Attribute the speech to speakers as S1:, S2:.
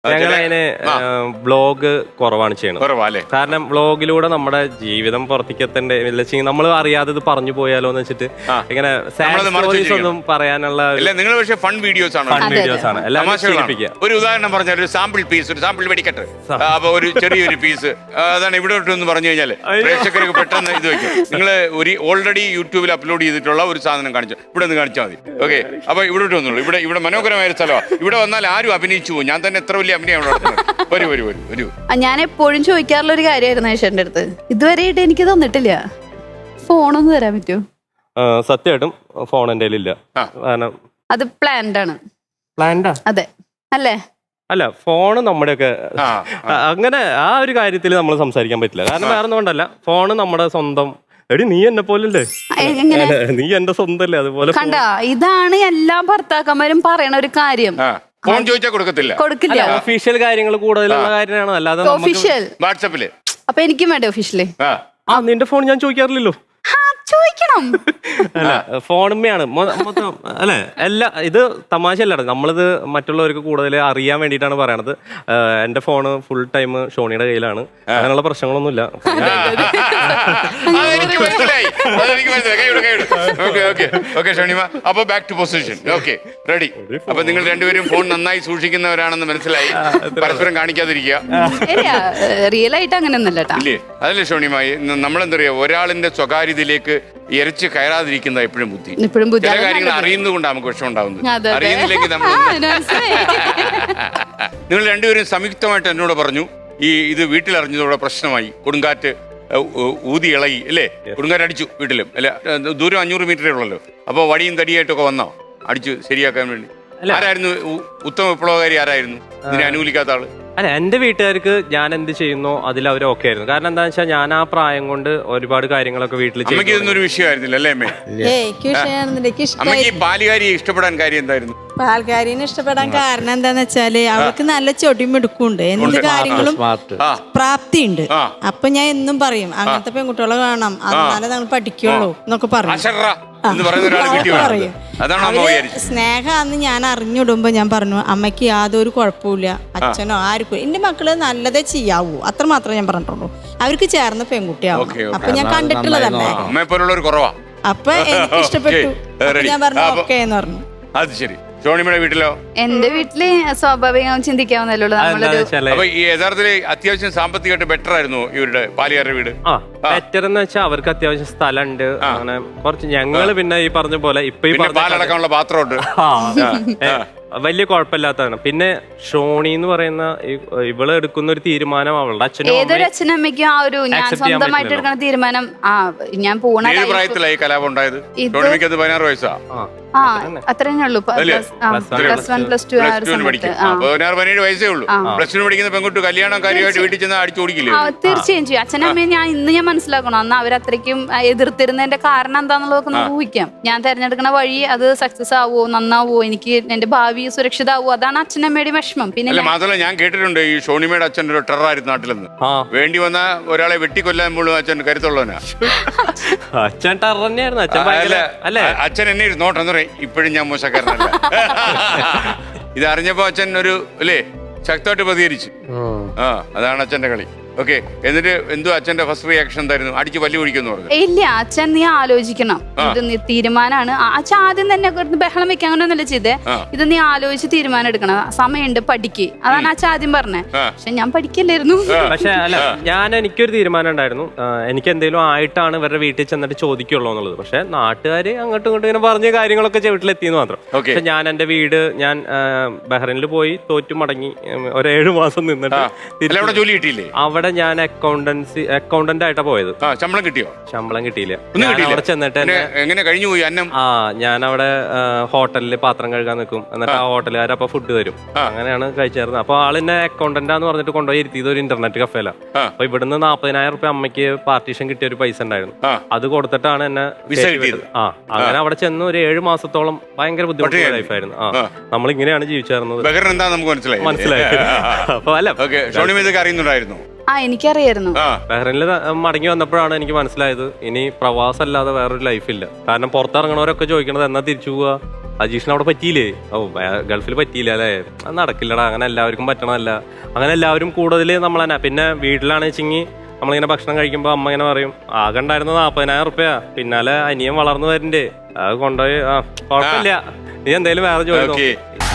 S1: ഞങ്ങളതിന് vlog കുറവാണ് ചെയ്യണത്. കാരണം വ്ളോഗിലൂടെ നമ്മുടെ ജീവിതം പുറത്തേക്ക് എത്തണ്ടേ, നമ്മൾ അറിയാതെ ഇത് പറഞ്ഞു പോയാലോ എന്ന് വെച്ചിട്ട് ഇങ്ങനെ സ്റ്റോറീസ് ഒന്നും പറയാനുള്ള
S2: നിങ്ങൾ പക്ഷേ ഫൺ വീഡിയോസ് ആണ്
S1: എല്ലാം.
S2: ഒരു ഉദാഹരണം പറഞ്ഞാൽ ഒരു സാമ്പിൾ പീസ്, ഒരു സാമ്പിൾ വെടിക്കട്ടെ, അപ്പൊ ഒരു ചെറിയൊരു പീസ് അതാണ് ഇവിടെ എന്ന് പറഞ്ഞു കഴിഞ്ഞാൽ പ്രേക്ഷകർക്ക് പെട്ടെന്ന് ഇത് വെക്കും. നിങ്ങൾ ഒരു ഓൾറെഡി യൂട്യൂബിൽ അപ്ലോഡ് ചെയ്തിട്ടുള്ള ഒരു സാധനം കാണിച്ചു, ഇവിടെ നിന്ന് കാണിച്ചാൽ മതി. ഓക്കെ, അപ്പൊ ഇവിടെ വന്നുള്ളൂ. ഇവിടെ മനോഹരമായ ഒരു സ്ഥലമാണ്. ഇവിടെ വന്നാൽ ആരും അഭിനയിച്ചു പോകും. ഞാൻ തന്നെ എത്ര വലിയ അഭിനയം വരൂ.
S3: ഞാൻ എപ്പോഴും ചോദിക്കാറുള്ള ഒരു കാര്യമായിരുന്നു ഏഷ്യന്റെ അടുത്ത്, ഇതുവരെയായിട്ട് എനിക്ക് തന്നിട്ടില്ല. ഫോണൊന്ന് തരാൻ പറ്റുമോ?
S1: സത്യമായിട്ടും ഫോൺ എന്റെ കയ്യിലില്ല. കാരണം
S3: അത് പ്ലാൻഡാ? അതെ അല്ലേ?
S1: അല്ല, ഫോണ് നമ്മുടെയൊക്കെ അങ്ങനെ ആ ഒരു കാര്യത്തിൽ നമ്മൾ സംസാരിക്കാൻ പറ്റില്ല. കാരണം വേറെ ഒന്നും കൊണ്ടല്ല, ഫോണ് നമ്മുടെ സ്വന്തം. എടി നീ എന്നെ പോലല്ലേ, നീ എന്റെ സ്വന്തം അല്ലേ? അതുപോലെ
S3: കണ്ട, ഇതാണ് എല്ലാ ഭർത്താക്കന്മാരും പറയണ ഒരു കാര്യം.
S2: ഫോൺ ചോദിച്ചാൽ കൊടുക്കില്ല.
S1: ഒഫീഷ്യൽ കാര്യങ്ങൾ കൂടുതലുള്ള കാര്യമാണ്, അല്ലാതെ
S3: ഒഫീഷ്യൽ
S2: വാട്സാപ്പില്.
S3: അപ്പൊ എനിക്കും വേണ്ടേ ഒഫീഷ്യലി?
S1: നിന്റെ ഫോൺ ഞാൻ ചോദിക്കാറില്ലല്ലോ.
S3: ചോദിക്കണം.
S1: അല്ല, ഫോണുമ്മയാണ് മൊത്തം. അല്ലെ, എല്ലാ ഇത് തമാശയല്ലാണ്. നമ്മളിത് മറ്റുള്ളവർക്ക് കൂടുതൽ അറിയാൻ വേണ്ടിയിട്ടാണ് പറയണത്. എന്റെ ഫോണ് ഫുൾ ടൈം ഷോണിയുടെ കയ്യിലാണ്. അങ്ങനെയുള്ള പ്രശ്നങ്ങളൊന്നുമില്ല.
S2: അപ്പൊ back to position. Okay, ready. അപ്പൊ നിങ്ങൾ രണ്ടുപേരും ഫോൺ നന്നായി സൂക്ഷിക്കുന്നവരാണെന്ന് മനസ്സിലായി. പരസ്പരം കാണിക്കാതിരിക്കുക.
S3: റിയൽ ആയിട്ട് അങ്ങനെയൊന്നല്ല.
S2: അതല്ലേ ഷോണിമായി, നമ്മളെന്താ പറയാ, ഒരാളിന്റെ സ്വകാര്യതയിലേക്ക് ഇരച്ച് കയറാതിരിക്കുന്ന എപ്പോഴും ബുദ്ധി. ചില കാര്യങ്ങൾ അറിയുന്നതുകൊണ്ട് നമുക്ക് വിഷമം ഉണ്ടാവുന്നത്. അറിയുന്നില്ലെങ്കിൽ നമ്മൾ നിങ്ങൾ രണ്ടുപേരും സംയുക്തമായിട്ട് എന്നോട് പറഞ്ഞു, ഇത് വീട്ടിൽ അറിഞ്ഞതോടെ പ്രശ്നമായി. കൊടുങ്കാറ്റ് ഊതി ഇളകി അല്ലേ? കൊടുങ്കാറ്റ് അടിച്ചു വീട്ടിലും. അല്ല, ദൂരം 500 മീറ്ററേ ഉള്ളല്ലോ. അപ്പോൾ വടിയും തടിയായിട്ടൊക്കെ വന്നോ അടിച്ചു ശരിയാക്കാൻ വേണ്ടി? ആരായിരുന്നു ഉത്തമ വിപ്ലവകാരി? ആരായിരുന്നു ഇതിനെ അനുകൂലിക്കാത്ത ആള്?
S1: അല്ല, എന്റെ വീട്ടുകാർക്ക് ഞാൻ എന്ത് ചെയ്യുന്നോ അതിൽ അവർ ഓക്കെ ആയിരുന്നു. കാരണം എന്താണെന്ന് വെച്ചാൽ ഞാൻ ആ പ്രായം കൊണ്ട് ഒരുപാട് കാര്യങ്ങളൊക്കെ വീട്ടിൽ ചെയ്തു.
S2: ഇതൊന്നും വിഷയമായിരുന്നില്ല അല്ലേ അമ്മേ? അമ്മയ്ക്ക് പാലുകാരിയെ ഇഷ്ടപ്പെടാൻ കാര്യം എന്തായിരുന്നു?
S4: പാൽക്കാരിനെ ഇഷ്ടപ്പെടാൻ കാരണം എന്താന്ന് വെച്ചാല് അവർക്ക് നല്ല ചൊടിമെടുക്കുണ്ട്, എന്ത് കാര്യങ്ങളും പ്രാപ്തിയുണ്ട്. അപ്പൊ ഞാൻ എന്നും പറയും അങ്ങനത്തെ പെൺകുട്ടികളെ കാണാം, എന്നാലേ നമ്മൾ പഠിക്കുള്ളൂ എന്നൊക്കെ പറയും. സ്നേഹാന്ന് ഞാൻ അറിഞ്ഞിടുമ്പോ ഞാൻ പറഞ്ഞു, അമ്മയ്ക്ക് യാതൊരു കുഴപ്പമില്ല, അച്ഛനോ ആർക്കും എന്റെ മക്കള് നല്ലതേ ചെയ്യാവൂ, അത്ര മാത്രമേ ഞാൻ പറഞ്ഞിട്ടുള്ളൂ. അവർക്ക് ചേർന്ന പെൺകുട്ടിയാവും. അപ്പൊ ഞാൻ കണ്ടിട്ടുള്ളതല്ലേ, അപ്പൊ എനിക്ക് ഇഷ്ടപ്പെട്ടു. ഞാൻ പറഞ്ഞു ഓക്കെ എന്ന് പറഞ്ഞു.
S2: അത് ശരി. ഷോണിമയുടെ വീട്ടിലോ?
S3: എന്റെ വീട്ടില് സ്വാഭാവികം ചിന്തിക്കാവുന്നല്ലോ.
S2: അപ്പൊ ഈ യഥാർത്ഥത്തില് അത്യാവശ്യം സാമ്പത്തികമായിട്ട് ബെറ്റർ ആയിരുന്നു ഇവരുടെ പാലിയാരുടെ വീട്?
S1: ബെറ്റർ എന്ന് വെച്ചാൽ അവർക്ക് അത്യാവശ്യം സ്ഥലമുണ്ട്. അങ്ങനെ കുറച്ച് ഞങ്ങള് പിന്നെ ഈ പറഞ്ഞ പോലെ ഇപ്പൊ ഈ
S2: പാലടക്കാനുള്ള പാത്രമുണ്ട്.
S1: വലിയ കുഴപ്പമില്ലാത്തതാണ്. പിന്നെ ഷോണി എന്ന് പറയുന്ന ഇവള് എടുക്കുന്ന ഒരു തീരുമാനം അവളുടെ
S3: ഏതൊരു അച്ഛനമ്മയ്ക്കും ആ ഒരു ഞാൻ സ്വന്തമായിട്ട് എടുക്കുന്ന തീരുമാനം. ഞാൻ പോണ
S2: പ്രായത്തിലായി കലാപം ഉണ്ടായത്. 16 വയസ്സാ.
S3: അത്രേ ഉള്ളൂ. +1 +2
S2: 17 വയസ്സേ ഉള്ളൂ. +2 പഠിക്കുന്ന പെൺകുട്ടി കല്യാണം കാര്യമായിട്ട് വീട്ടിൽ ചെന്ന് അടിച്ചു ഓടിക്കില്ലേ?
S3: തീർച്ചയായും ചെയ്യും. അച്ഛനമ്മയെ ഞാൻ മനസ്സിലാക്കണം. അന്ന് അവരത്രയ്ക്കും എതിർത്തിരുന്നതിന്റെ കാരണം എന്താണെന്നുള്ളതൊക്കെ ഒന്ന് ഊഹിക്കാം. ഞാൻ തെരഞ്ഞെടുക്കുന്ന വഴി അത് സക്സസ് ആവോ, നന്നാവോ, എനിക്ക് എന്റെ ഭാവി സുരക്ഷിതാവോ, അതാണ് അച്ഛനമ്മയുടെ വിഷമം. പിന്നെ
S2: മാത്രമല്ല ഞാൻ കേട്ടിട്ടുണ്ട് ഈ ഷോണിമയുടെ അച്ഛൻ ഒരു ടെററായിരുന്നു നാട്ടിലെന്ന്. വേണ്ടി വന്ന ഒരാളെ വെട്ടിക്കൊല്ലാമ്പോഴും അച്ഛൻ കരുത്തുള്ളവനാ.
S1: അച്ഛൻ ടെറർ തന്നെയായിരുന്നു.
S2: അച്ഛൻ എന്നെ നോട്ടെന്ന് പറയും, ഇപ്പോഴും ഞാൻ മോശക്കാരനല്ല. ഇത് അറിഞ്ഞപ്പോ അച്ഛൻ ഒരു അല്ലേ ശക്തമായിട്ട് പ്രതികരിച്ചു. അതാണ് അച്ഛന്റെ കളി. ഓക്കെ, എന്നിട്ട് എന്തോ അച്ഛന്റെ ഫസ്റ്റ് റിയാക്ഷൻ എന്തായിരുന്നു? അടിച്ച് പല്ലു പിടിക്കുന്നു പറഞ്ഞു.
S3: ഇല്ല, അച്ഛൻ നീ ആലോചിക്കണം, ഇത് നീ തീരുമാനമാണ്. അച്ഛൻ ആദ്യം തന്നെ ബഹളം വെക്കാൻ അങ്ങനെയൊന്നുമല്ല ചെയ്തേ, ഇത് നീ ആലോചിച്ച് തീരുമാനം എടുക്കണം, സമയമുണ്ട്, പഠിക്ക്. അതാണ് അച്ഛൻ ആദ്യം പറഞ്ഞത്. പക്ഷെ ഞാൻ പഠിക്കല്ലായിരുന്നു.
S1: പക്ഷെ അല്ല, എനിക്കൊരു തീരുമാനം ഉണ്ടായിരുന്നു. എനിക്ക് എന്തെങ്കിലും ആയിട്ടാണ് ഇവരുടെ വീട്ടിൽ ചെന്നിട്ട് ചോദിക്കുള്ളൂ എന്നുള്ളത്. പക്ഷെ നാട്ടുകാര് അങ്ങോട്ടും ഇങ്ങോട്ടും ഇങ്ങനെ പറഞ്ഞ കാര്യങ്ങളൊക്കെ വീട്ടിലെത്തിയെന്ന് മാത്രം. പക്ഷെ ഞാൻ എന്റെ വീട് ഞാൻ ബഹ്റൈനിൽ പോയി തോറ്റു മടങ്ങി ഒരു 7 മാസം നിന്നിട്ട്
S2: ജോലി കിട്ടിയില്ലേ?
S1: അവിടെ ഞാൻ അക്കൗണ്ടന്റ് ആയിട്ടാ പോയത്.
S2: ശമ്പളം കിട്ടിയോ?
S1: ശമ്പളം കിട്ടിയില്ല. അവിടെ ചെന്നിട്ട്
S2: എങ്ങനെ കഴിഞ്ഞു പോയി അന്നം?
S1: ഞാൻ അവിടെ ഹോട്ടലിൽ പാത്രം കഴുകാൻ നിൽക്കും. എന്നിട്ട് ആ ഹോട്ടലുകാർ അപ്പൊ ഫുഡ് തരും. അങ്ങനെയാണ് കഴിച്ചായിരുന്നത്. അപ്പൊ ആളിന്നെ അക്കൗണ്ടന്റാന്ന് പറഞ്ഞിട്ട് കൊണ്ടുപോയി ഇരുത്തിയത് ഒരു ഇന്റർനെറ്റ് കഫേല. അപ്പൊ ഇവിടുന്ന് 40,000 രൂപ അമ്മയ്ക്ക് പാർട്ടീഷൻ കിട്ടിയ ഒരു പൈസ ഉണ്ടായിരുന്നു. അത് കൊടുത്തിട്ടാണ് എന്നെ അങ്ങനെ അവിടെ ചെന്ന് ഒരു 7 മാസത്തോളം ഭയങ്കര ബുദ്ധിമുട്ടുള്ള ലൈഫായിരുന്നു. നമ്മൾ ഇങ്ങനെയാണ് ജീവിച്ചായിരുന്നത്. മനസ്സിലായി. അപ്പൊ അല്ല,
S2: അറിയുന്നുണ്ടായിരുന്നു.
S3: എനിക്കറിയായിരുന്നു.
S1: ബഹ്റൈനിൽ മടങ്ങി വന്നപ്പോഴാണ് എനിക്ക് മനസ്സിലായത് ഇനി പ്രവാസം അല്ലാതെ വേറൊരു ലൈഫില്ല. കാരണം പുറത്തിറങ്ങണവരൊക്കെ ചോദിക്കണത് എന്നാ തിരിച്ചു പോവാ, അജീഷിന് അവിടെ പറ്റിയില്ലേ, ഗൾഫിൽ പറ്റിയില്ല അല്ലേ, അത് നടക്കില്ലടാ, അങ്ങനെ എല്ലാവർക്കും പറ്റണമല്ല, അങ്ങനെ എല്ലാവരും കൂടുതൽ നമ്മൾ തന്നെ. പിന്നെ വീട്ടിലാണെന്ന് വെച്ചെങ്കിൽ നമ്മളിങ്ങനെ ഭക്ഷണം കഴിക്കുമ്പോൾ അമ്മ ഇങ്ങനെ പറയും, ആകെ ഉണ്ടായിരുന്നത് 40,000 റുപ്യ, പിന്നാലെ അനിയൻ വളർന്നു വരണ്ടേ, അത് കൊണ്ടുപോയി കുഴപ്പമില്ല, നീ എന്തായാലും വേറെ ജോലി നോക്ക്.